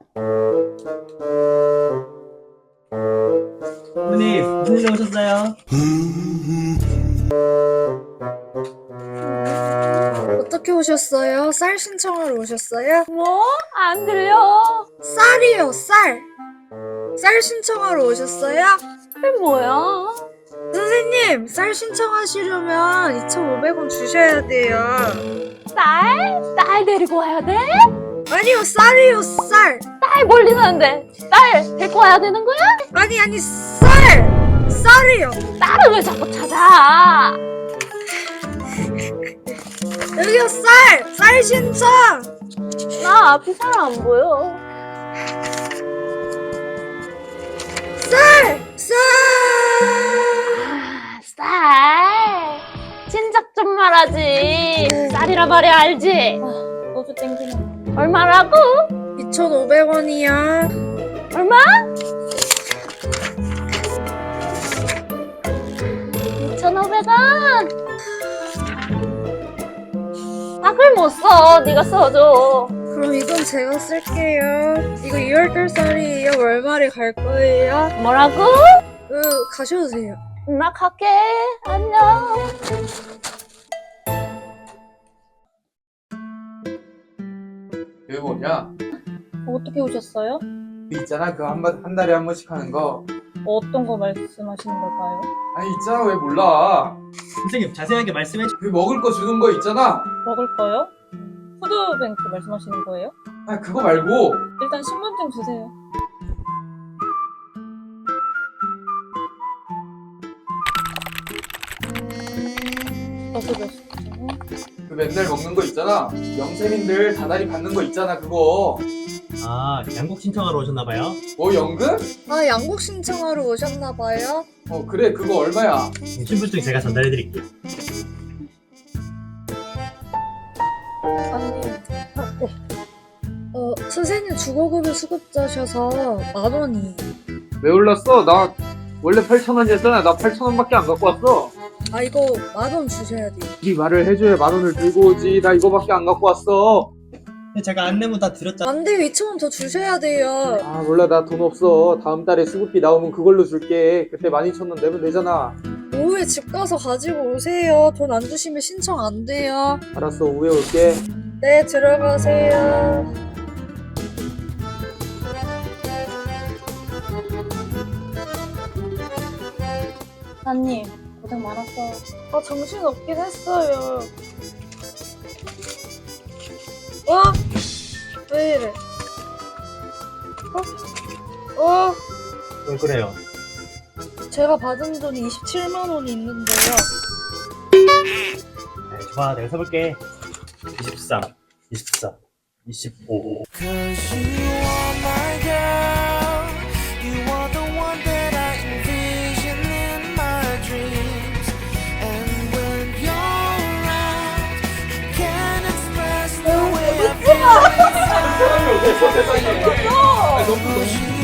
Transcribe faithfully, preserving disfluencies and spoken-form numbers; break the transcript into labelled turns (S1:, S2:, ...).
S1: 어머니, 무슨 일로 오셨어요?
S2: 어떻게 오셨어요? 쌀 신청하러 오셨어요?
S3: 뭐? 안 들려.
S2: 쌀이요, 쌀! 쌀 신청하러 오셨어요?
S3: 그게 뭐야?
S2: 선생님, 쌀 신청하시려면 이천오백 원 주셔야 돼요.
S3: 쌀? 쌀 데리고 와야 돼?
S2: 아니요, 쌀이요, 쌀!
S3: 쌀 멀리 사는데 쌀 데리고 와야 되는 거야?
S2: 아니, 아니, 쌀! 쌀이요!
S3: 쌀을 왜 자꾸 찾아?
S2: 여기요, 쌀! 쌀 신청!
S3: 나 앞이 잘 안 보여.
S2: 쌀! 쌀!
S3: 아, 쌀. 진작 좀 말하지. 쌀이라 말이야 알지? 아, 너도 땡기네. 얼마라고?
S2: 이천오백 원이야.
S3: 얼마? 이천오백 원. 나 그걸 못 써. 네가 써줘.
S2: 그럼 이건 제가 쓸게요. 이거 이월달 쌀이에요. 월말에 갈 거예요.
S3: 뭐라고?
S2: 그, 가셔도 돼요.
S3: 나 갈게. 안녕.
S4: 여기 뭐냐?
S3: 어떻게 오셨어요?
S4: 있잖아 그 한 한 달에 한 번씩 하는 거.
S3: 어떤 거 말씀하시는 걸까요?
S4: 아니 있잖아 왜 몰라?
S1: 선생님, 자세하게 말씀해 주...
S4: 그 먹을 거 주는 거 있잖아.
S3: 먹을 거요? 푸드뱅크 말씀하시는 거예요?
S4: 아 그거 말고.
S3: 일단 신분증 주세요. 어서오셨어요.
S4: 그 맨날 먹는 거 있잖아. 영세민들 다달이 받는 거 있잖아 그거.
S1: 아, 양국 신청하러 오셨나봐요.
S4: 뭐 연금?
S2: 아, 양국 신청하러 오셨나봐요.
S4: 어 그래 그거 얼마야?
S1: 신분증 제가 전달해드릴게요.
S3: 아니,
S2: 어, 선생님 주거급여 수급자셔서 만 원이.
S4: 왜 올랐어? 나 원래 팔천 원이었잖아. 나 팔천 원밖에 안 갖고 왔어.
S2: 아, 이거 만 원 주셔야 돼요.
S4: 이 말을 해줘야 만 원을 들고 오지. 나 이거밖에 안 갖고 왔어.
S1: 근데 제가 안내문 다 드렸잖아요.
S2: 안 돼요. 이천 원 더 주셔야 돼요.
S4: 아 몰라 나 돈 없어. 다음 달에 수급비 나오면 그걸로 줄게. 그때 만 이천 원 내면 되잖아.
S2: 오후에 집 가서 가지고 오세요. 돈 안 주시면 신청 안 돼요.
S4: 알았어 오후에 올게.
S2: 네, 들어가세요.
S3: 사님 고생 많았어.
S2: 아, 정신 없긴 했어요. 어? 왜 이래? 어? 어?
S1: 왜 그래요?
S2: 제가 받은 돈이 이십칠만 원이 있는데요.
S1: 네, 좋아, 내가 써볼게. 이십삼, 이십사, 이십오.
S5: Cause you are my girl. You are the one that I envision in my dreams. And when you're around, I can't express the way I feel inside.
S4: 세상에. 아, 너무 너무.